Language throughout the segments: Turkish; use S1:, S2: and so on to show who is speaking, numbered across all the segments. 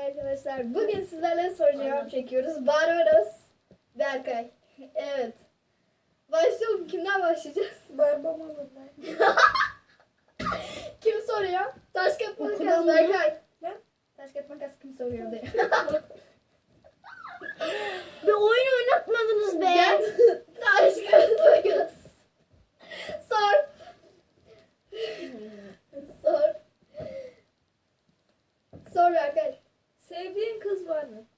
S1: arkadaşlar. Bugün sizlerle soru cevap çekiyoruz. Barbaros, Berkay. Evet. Başlayalım. Kimden başlayacağız?
S2: Barbaros ben.
S1: Kim soruyor? Taş kağıt makas
S2: Okudan
S1: Berkay.
S2: Ne?
S1: Taş kağıt makas kim soruyor diye.
S2: Bir oyun oynatmadınız be.
S1: Gel. Taş kağıt makas. Sor. Sor. Sor Berkay.
S2: Sevdiğin kız var mı?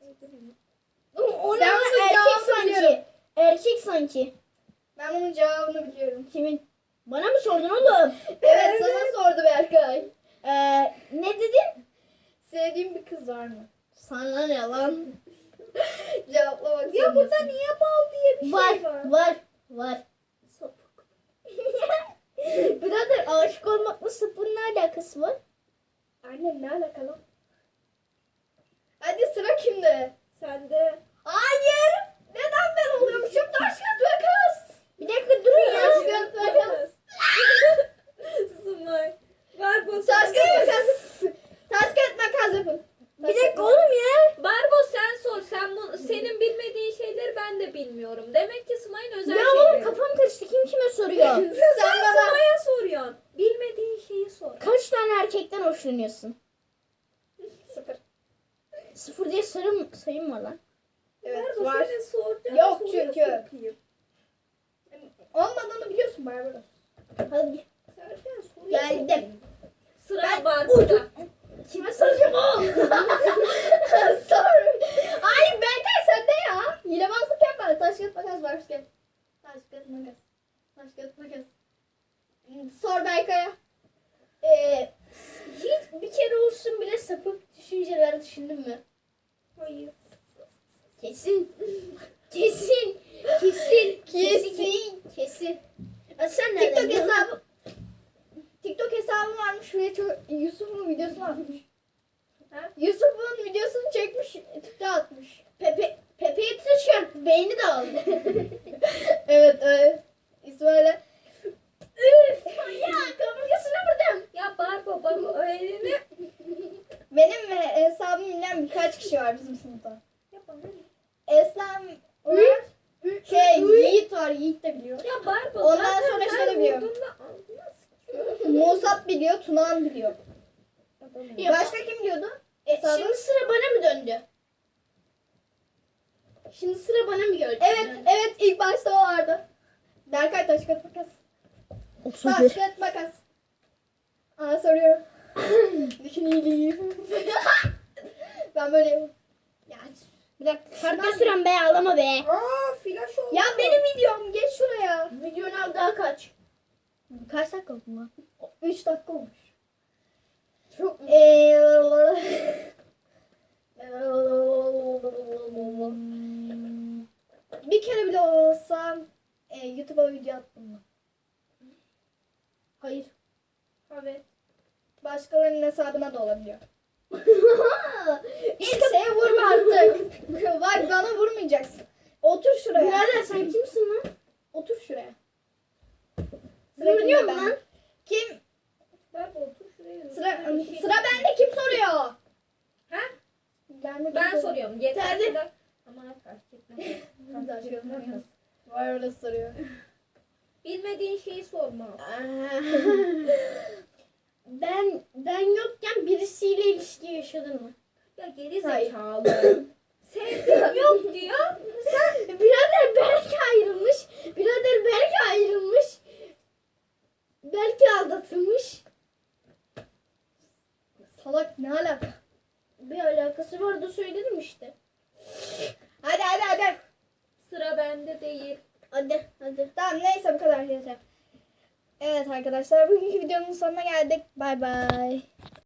S1: Onu
S2: Ben
S1: erkek
S2: erkek
S1: sanki.
S2: sanki. Erkek sanki.
S1: Ben bunun cevabını biliyorum.
S2: Kimin? Bana mı sordun oğlum?
S1: Evet sana sordu Berkay.
S2: Ne dedin?
S1: Sevdiğin bir kız var mı?
S2: Sana ne lan?
S1: Cevaplamak
S2: Ya burada
S1: zorundasın.
S2: niye bal diye bir
S1: Var,
S2: şey var?
S1: Var.
S2: Sapık. Birader aşık olmakla sapın ne alakası var?
S1: Anne ne alakalı? Hadi sıra kimde?
S2: Sende.
S1: Hayır. Neden ben oluyormuşum? Taş kağıt makas.
S2: Bir dakika durun ya.
S1: Taş kağıt makas.
S2: Sumay. Ver bu.
S1: Taş kağıt makas. Taş kağıt makas yapın.
S2: Bir dakika oğlum ya.
S3: Barbo sen sor. Senin bilmediğin şeyleri ben de bilmiyorum. Demek ki Smay'ın özel
S2: Ya
S3: şeyleri.
S2: oğlum kafam karıştı. Kim kime soruyor?
S1: Sen bana.
S3: Smay'a soruyorsun. Bilmediğin şeyi sor.
S2: Kaç tane erkekten hoşlanıyorsun?
S1: 0.
S2: 0 diye sayım var lan.
S1: Evet
S3: Barbo
S1: var.
S3: senin soracağın
S1: Yok
S3: soruya
S1: çünkü.
S3: sokayım.
S1: Olmadığını biliyorsun Barbaros.
S2: Hadi.
S3: Soracağın soruya
S2: Geldim.
S3: sokayım. Sıra
S1: Ben-
S3: Barbo'da.
S2: Kime soracağım oğlum?
S1: Sor. Ay Berkay sende ya. Hilebazlık yapma. Taş kağıt makas başka. Taş kağıt makas. Taş kağıt makas. Sor Berkay'a.
S2: Hiç bir kere olsun bile sapık düşünceler düşündün mü?
S3: Hayır.
S2: Kesin. Kesin. Kesin. Kesin. Kesin. Sen nereden
S1: TikTok
S2: biliyorsun?
S1: hesabı. TikTok hesabı varmış. Şuraya Yusuf'un videosunu atmış.
S3: Ha?
S1: Yusuf'un videosunu çekmiş. TikTok'a atmış.
S2: Pepe'ye tişört. Beyni de aldı.
S1: Evet evet. İsmail'e.
S2: Üf. Ya kaburgasını vurdum.
S3: Ya Barbo elini.
S1: Benim hesabımı bilen birkaç kişi var bizim sınıfta.
S3: Ya bana ne?
S1: Eslem var. Yiğit var. Yiğit de biliyor.
S3: Ya Barbo
S1: Ondan
S3: zaten
S1: sonra
S3: ben
S1: şöyle biliyorum.
S3: vurduğumda ağzına
S1: Musab biliyor. Tunan biliyor.
S3: sıkıyorum.
S2: Ya
S1: Başka kim biliyordu?
S2: Şimdi sıra bana mı döndü? Şimdi sıra bana mı geldi?
S1: Evet evet ilk başta o vardı. Berkay taş kağıt makas. Taş kağıt makas. Aa soruyorum. Düşün iyiliği. Ben böyle yapayım. Ya,
S2: Bir dakika. Kartla süren be ağlama be.
S3: Aa flash oldu.
S1: ya benim videom geç şuraya.
S2: Videonun al daha kaç? Kaç dakika oldu lan?
S1: 3 dakika olmuş.
S2: Çok
S1: Bir kere bile olsam YouTube'a video attım mı?
S2: Hayır.
S1: Evet. Başkalarının hesabına da olabiliyor. İlk şeye vurma artık. Bak bana vurmayacaksın. Otur şuraya.
S2: Birader sen kimsin lan?
S1: Otur şuraya.
S2: Görünüyor mu
S1: kimde
S2: lan?
S1: ben? Kim?
S3: Barbo otur şuraya.
S1: Sıra bende kim soruyor?
S3: Ha?
S1: Ben
S3: soruyorum. Yeter.
S2: Hadi.
S3: Ama fark etmez.
S1: Var orada soruyor.
S3: Bilmediğin şeyi sorma.
S2: Ben yokken birisiyle ilişki yaşadın mı?
S3: Ya geri
S1: Hayır.
S3: zekalı. Sevdiğim yok diyor.
S2: Birader belki ayrılmış. Birader belki ayrılmış. Belki aldatılmış.
S1: Salak ne alaka?
S2: Bir alakası var da söyledim işte.
S1: Hadi.
S3: Sıra bende değil.
S2: Hadi.
S1: Tamam neyse bu kadar yeter. Evet arkadaşlar bugünkü videonun sonuna geldik. Bay bay.